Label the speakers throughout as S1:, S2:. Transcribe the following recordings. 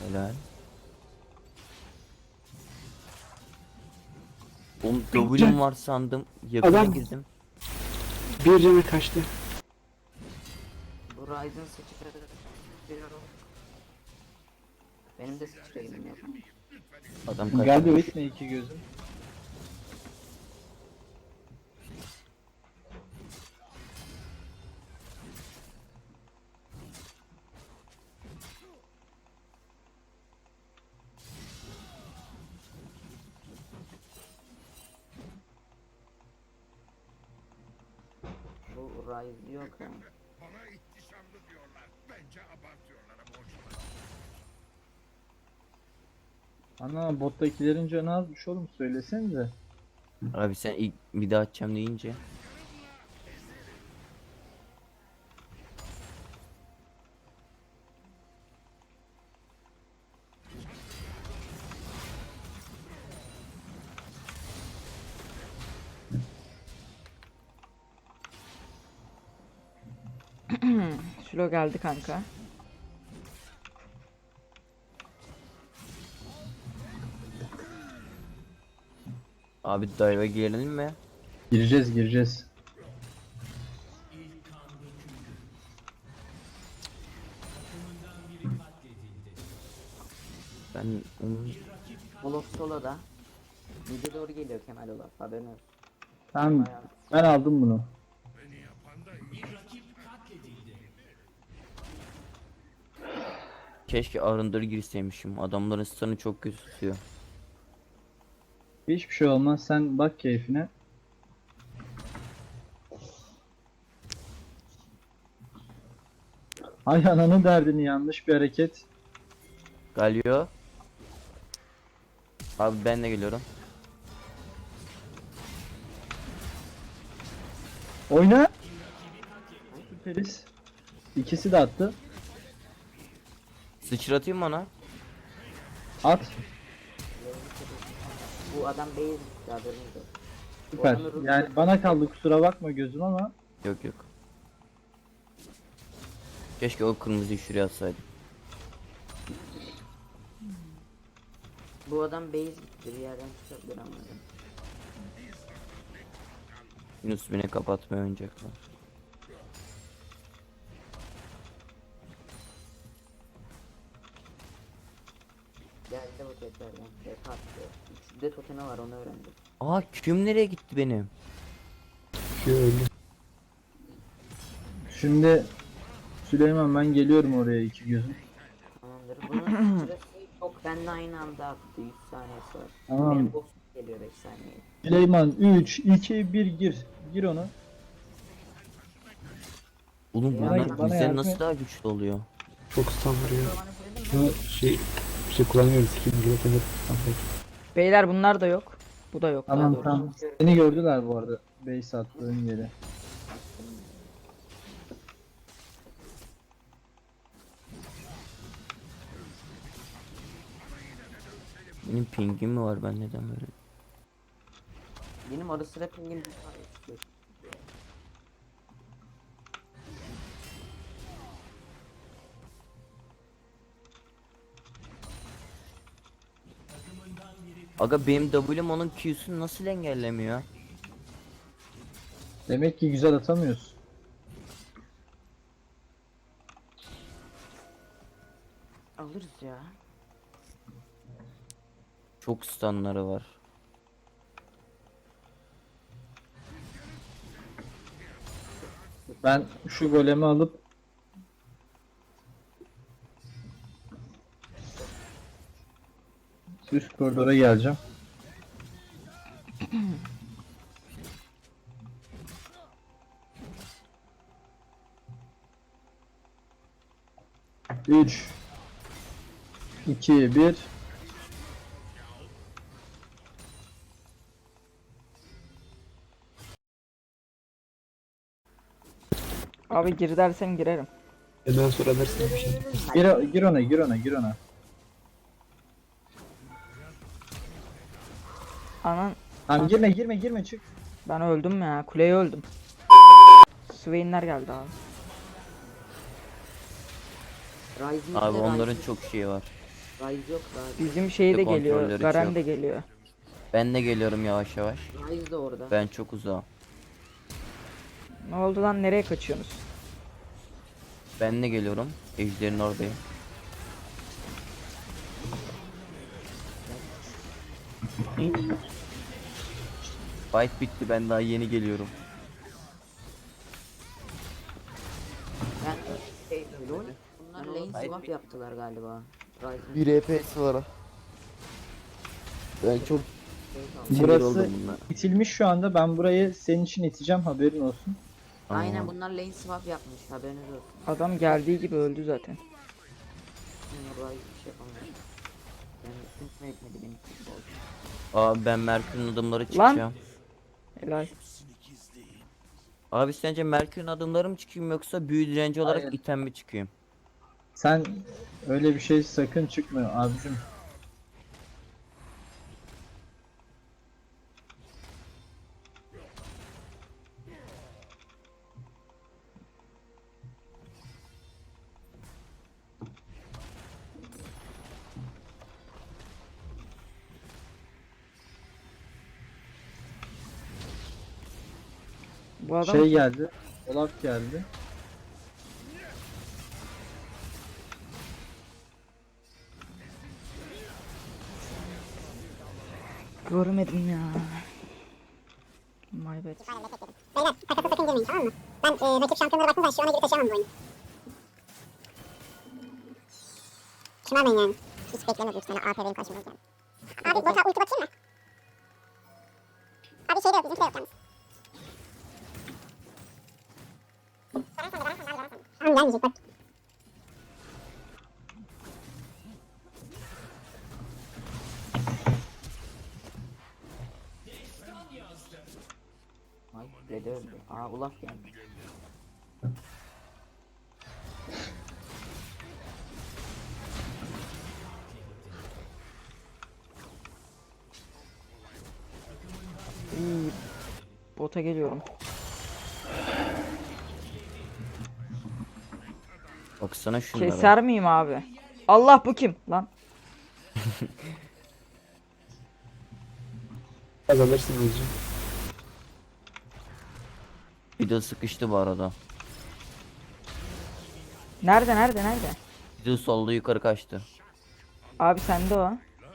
S1: Helal. Oğlum W'm var sandım. Yakına
S2: Adam-
S1: girdim.
S2: Bir cana kaçtı.
S3: Bu Ryzen sıçrıyorum. Benim de sıçrayım yok.
S1: Adam kaçtı.
S4: Geldi Whitney iki gözüm.
S3: Bu Ryzen yok ha.
S5: Bana ihtişamlı diyorlar. Bence abartıyorlar ama hoşuma.
S4: Ana bottakilerin canı azmış oğlum söylesenize.
S1: Abi sen ilk bir daha açacağım deyince.
S6: Şilo geldi kanka.
S1: Abi dive'a girelim mi?
S4: Gireceğiz.
S1: Ben onun...
S3: Olaf solo'da. Mid'e doğru geliyor Kemal Olaf, haberin olsun.
S4: Tamam
S3: Bayağı-
S4: ben aldım bunu.
S5: Beni yapan da iyi.
S1: Keşke arındır girseymişim. Adamların stun'ı çok kötü tutuyor.
S4: Hiçbir şey olmaz sen bak keyfine. Ay ananın derdini yanlış bir hareket.
S1: Galio. Abi ben de geliyorum.
S4: Oyna. Süperiz. İkisi de attı.
S1: Sıçratayım mı ona?
S4: At.
S3: Bu adam base gitti, haberiniz olsun.
S4: Süper. Yani bana kaldı kusura bakma gözüm ama.
S1: Yok yok. Keşke o kırmızıyı şuraya atsaydım.
S3: Bu adam base gitti, bir yerden çıkabilir ama.
S1: Yunus beni kapatmaya oynayacaklar.
S3: Geldi bu tekrardan. Tek attı. Üçünde totemi var, onu öğrendim.
S1: Aa küm nereye gitti benim?
S4: Şimdi Süleyman ben geliyorum oraya iki gözüm.
S3: Tamamdır. Bunun süresi çok, benimle aynı anda attı. 100 saniyesi var.
S4: Tamam.
S3: Benim bossum geliyor 5 saniye.
S4: Süleyman 3, 2, 1 gir. Gir onu.
S1: Oğlum
S4: Bana-
S1: bunlar
S4: bana
S1: bizden
S4: yardım
S1: nasıl
S4: et.
S1: daha güçlü oluyor?
S2: Çok stun vuruyor. Bunu bir şey kullanmıyoruz. Kim gibi kendi stun pek.
S6: Beyler bunlar da yok. Bu da yok. daha
S4: Tamam
S6: doğrusu.
S4: tamam. Seni gördüler bu arada. Base attığın yeri.
S1: Benim pingim mi var, ben neden böyle?
S3: Benim ara sıra pingim bir tane çıkıyor.
S1: Aga benim W'm onun Q'sunu nasıl engellemiyor?
S4: Demek ki güzel atamıyorsun.
S3: Alırız ya.
S1: Çok stunları var.
S4: Ben şu golemi alıp üst koridora geleceğim. Üç, iki, bir.
S6: Abi gir dersen girerim.
S2: Benden sonra dersin bir şey.
S4: Gir ona.
S6: Anan
S4: Tamam girme çık.
S6: ben öldüm ya. Kuleye öldüm. Swain'ler geldi abi.
S3: Ryzen
S1: Abi
S3: de
S1: onların
S3: Ryzen-
S1: çok şeyi var.
S3: Ryze yok daha.
S6: Bizim şey de geliyor.
S1: Kontrolleri
S6: Garen
S1: çok.
S6: de geliyor.
S1: Ben de geliyorum yavaş yavaş.
S3: Ryze de orada.
S1: Ben çok uzağım.
S6: Ne oldu lan, nereye kaçıyorsunuz?
S1: Ben de geliyorum. Ejder'in oradayım. Fight bitti, ben daha yeni geliyorum.
S3: Ben şey LoL. Bunlar lane swap yaptılar galiba. Ryze'ın
S7: Bir EPS var. Ben çok
S1: Sinir
S4: Burası
S1: oldum bunlara.
S4: itilmiş şu anda. Ben burayı senin için iteceğim, haberin olsun.
S3: Aynen
S1: Tamam.
S3: bunlar lane swap yapmış, haberiniz olsun.
S6: Adam geldiği gibi öldü zaten.
S3: Yani Ryze bir şey yapamıyor. Yani üstüne etmedi benim futbol.
S1: Abi ben Merkür'ün adımları çıkacağım.
S6: Helal.
S1: Abi sence Merkür'ün adımları mı çıkayım yoksa büyü direnci olarak
S4: Hayır.
S1: item mi çıkayım?
S4: Sen öyle bir şey sakın çıkmıyor abicim.
S6: Bu adam
S4: Şey geldi. Olaf geldi.
S6: görmedim ya. My bad.
S8: Beyler takasa sakın girmeyin, tamam mı? Ben rakip şampiyonlara baktığım zaman şu ana geri taşıyamam bu oyunu. Şımarmayın yani. Hiç beklemiyordum sana AP benim karşıma olacağını. Abi bota ulti bakayım mı? Abi şeyde yok, bizimki de yok yalnız. Garan sende, Garan sende, abi Garan sende. Tamam gelmeyecek bak.
S3: Ay Red'e öldü. Aa Olaf geldi.
S6: İyi. Bota geliyorum.
S1: Baksana şunlara.
S6: Keser miyim abi? Allah, bu kim lan?
S2: Az alırsın hocam.
S1: Bir de sıkıştı bu arada.
S6: Nerede?
S1: Bir de solda yukarı kaçtı.
S6: Abi sende o.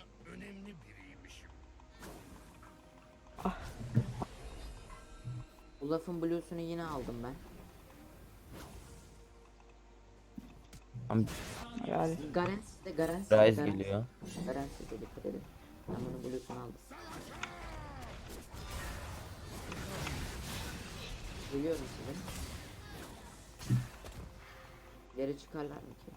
S3: Olaf'ın blue'sunu yine aldım ben.
S1: Ama
S6: Yani
S3: Garen de Garen
S1: Ryze geliyor.
S3: Garen size dikkat edin. Ben bunun blue'sunu aldım. Geliyorum size. Geri çıkarlar mı ki?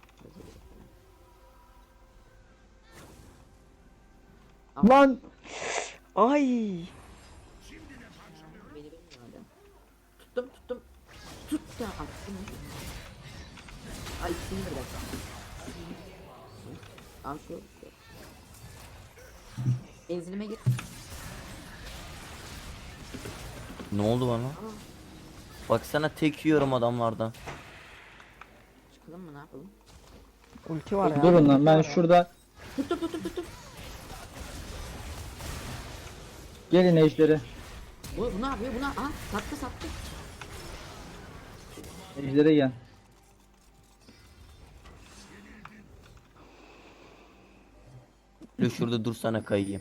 S4: Lan
S6: ay.
S3: Beni bilmiyor adam. Tuttum. Tut da attım. Ay ikisini birden. Al şu. Benzilime git.
S1: Ne oldu bana? Baksana tek yiyorum adamlardan.
S3: Çıkalım mı, ne yapalım?
S6: Ulti var ya.
S4: durun lan,
S6: ulti
S4: ben
S6: var ya.
S4: şurada
S3: Tuttum.
S4: gelin ejderi.
S3: Bu ne yapıyor? Buna sattı.
S4: Ejdere gel.
S1: Dur şurada dursana kayayım.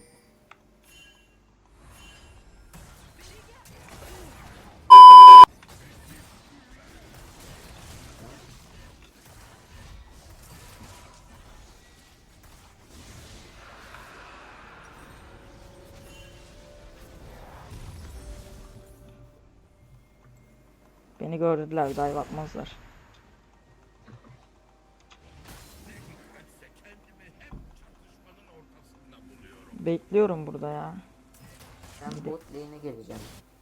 S6: Beni gördüler, dive atmazlar. Bekliyorum burada ya.
S3: Ben bot lane'e geleceğim.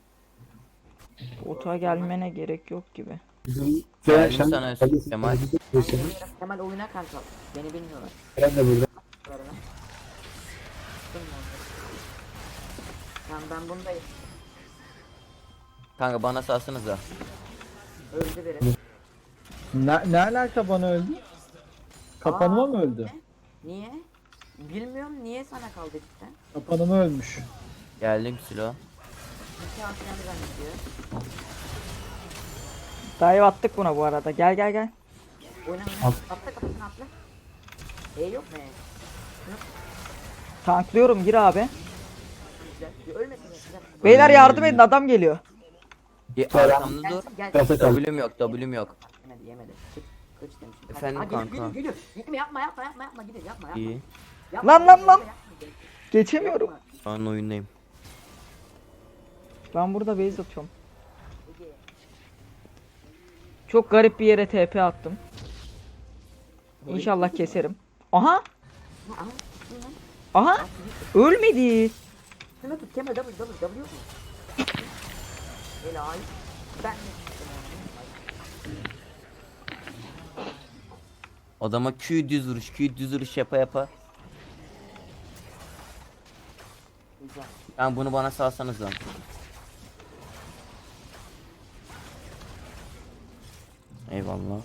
S6: Bota gelmene gerek yok gibi.
S2: Bizim
S1: Geldim
S2: Şen-
S1: sana
S2: Şen-
S1: Kemal.
S3: Kemal oyuna kanka. Beni bilmiyorlar.
S2: Eren de burada.
S3: Tuttum mu onları? Tamam ben bundayım.
S1: Kanka bana salsanıza.
S3: Öldü biri.
S4: Ne alaka bana öldü? Kapanıma mı öldü?
S3: Niye? Bilmiyorum niye sana kaldı cidden.
S4: Kapanımı ölmüş.
S1: Geldim Silo.
S3: İki hafiften bir zannediyor.
S6: Dive attık buna bu arada. Gel gel gel.
S3: Oyna oyna. Atla kafasına atla. Yok mu?
S6: Tanklıyorum gir abi.
S3: Güzel. Bir ölmesin ya. Güzel.
S6: Beyler yardım edin adam geliyor.
S1: Arkamda dur.
S3: Gelsin gelsin.
S2: Kasa kaldı.
S1: W'm yok, W'm yok.
S3: Yemedi yemedi. Çık. Kıç demişim.
S1: Efendim
S3: Geliyor,
S1: kanka.
S3: Geliyor geliyor. Gitme yapma gidin yapma.
S1: İyi.
S3: Yapma,
S6: Lan,
S3: yapma,
S6: lan.
S3: yapma.
S6: Geçemiyorum.
S3: Yapma.
S1: Şu an oyundayım.
S6: Ben burada base atıyorum. Çok garip bir yere TP attım. İnşallah keserim. Aha!
S3: Aha, tutun lan.
S6: Aha! Ölmedi.
S3: Şunu tut Kemal W yok mu? Helal. Ben de tuttum
S1: Adama Q düz vuruş yapa yapa.
S3: Güzel.
S1: Ben bunu bana salsanız lan. Eyvallah.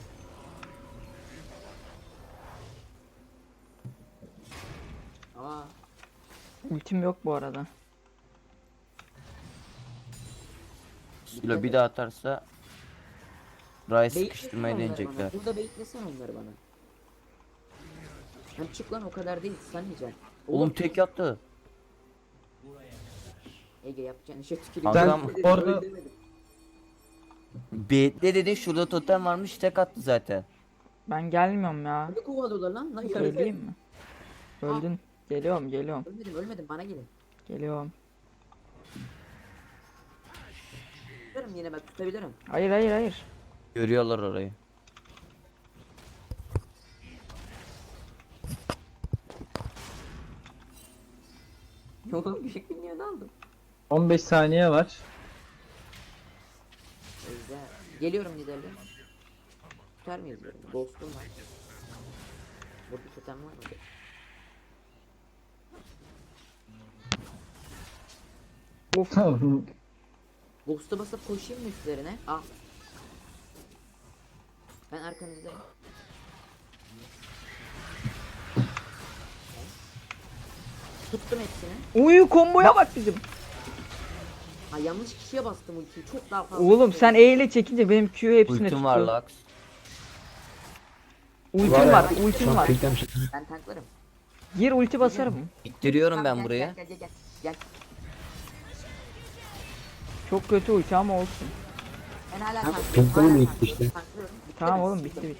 S3: Aa,
S6: Ultim yok bu arada.
S1: Silo bir daha atarsa Ray
S3: beklesene
S1: sıkıştırmayı
S3: onları
S1: deneyecekler.
S3: bana. Burada beklesene onları bana. Hem çık lan o kadar değil sen diyeceksin.
S1: Oğlum tek yaptı.
S3: Ege yapacağın işe tüküreyim.
S1: Adam
S4: orada-
S1: Bekle dedin, şurada totem varmış, tek attı zaten.
S6: Ben gelmiyorum ya.
S3: Ne kovalıyorlar lan? Lan
S6: Söyleyeyim mi? Öldün. Geliyorum geliyorum.
S3: Ölmedim bana gelin.
S6: Geliyorum.
S3: Tutarım yine ben tutabilirim.
S6: Hayır hayır hayır.
S1: Görüyorlar orayı.
S3: Oğlum bir şekilde niye aldım?
S4: 15 saniye var.
S3: Güzel. Geliyorum liderle. Tutar mıyız böyle? Ghost'um var. Burada totem var mı? Ghost'a basıp koşayım mı üstlerine? Al. Ben arkanızdayım. Tuttum hepsini.
S6: Uyu komboya bak bizim.
S3: Ha yanlış kişiye bastım ultiyi. Çok daha fazla.
S6: Oğlum sen E ile çekince benim Q hepsine
S1: Ultim var
S6: tutuyor.
S1: Lux.
S6: Ultim
S2: Var ya,
S6: var,
S2: Şu
S6: ultim
S2: an
S6: var.
S2: beklemişim.
S3: Ben tanklarım.
S6: Gir ulti basarım.
S1: İttiriyorum
S3: Tamam,
S1: ben buraya.
S3: Gel.
S6: Çok kötü ulti ama olsun.
S3: Ben hala
S2: Tamam,
S3: tanklıyorum.
S2: tanklarım
S3: Hala
S2: bitti
S3: tanklıyorum.
S2: işte.
S3: Tanklıyorum. Bitti
S6: Tamam
S3: mi?
S6: oğlum bitti.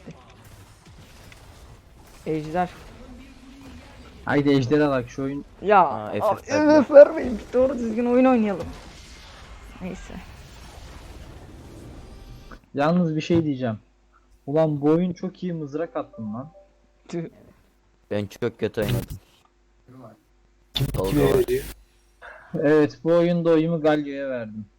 S6: Ejder.
S4: Haydi ejderha bak şu oyun.
S6: Ya
S1: Aa, FF
S6: FF vermeyin. Doğru düzgün oyun oynayalım. Neyse.
S4: Yalnız bir şey diyeceğim. Ulan bu oyun çok iyi mızrak attın lan.
S6: Tüh.
S1: Ben çok kötü oynadım.
S2: Kime
S1: Tolga var.
S2: veriyor?
S4: Evet bu oyunda oyumu Galio'ya verdim.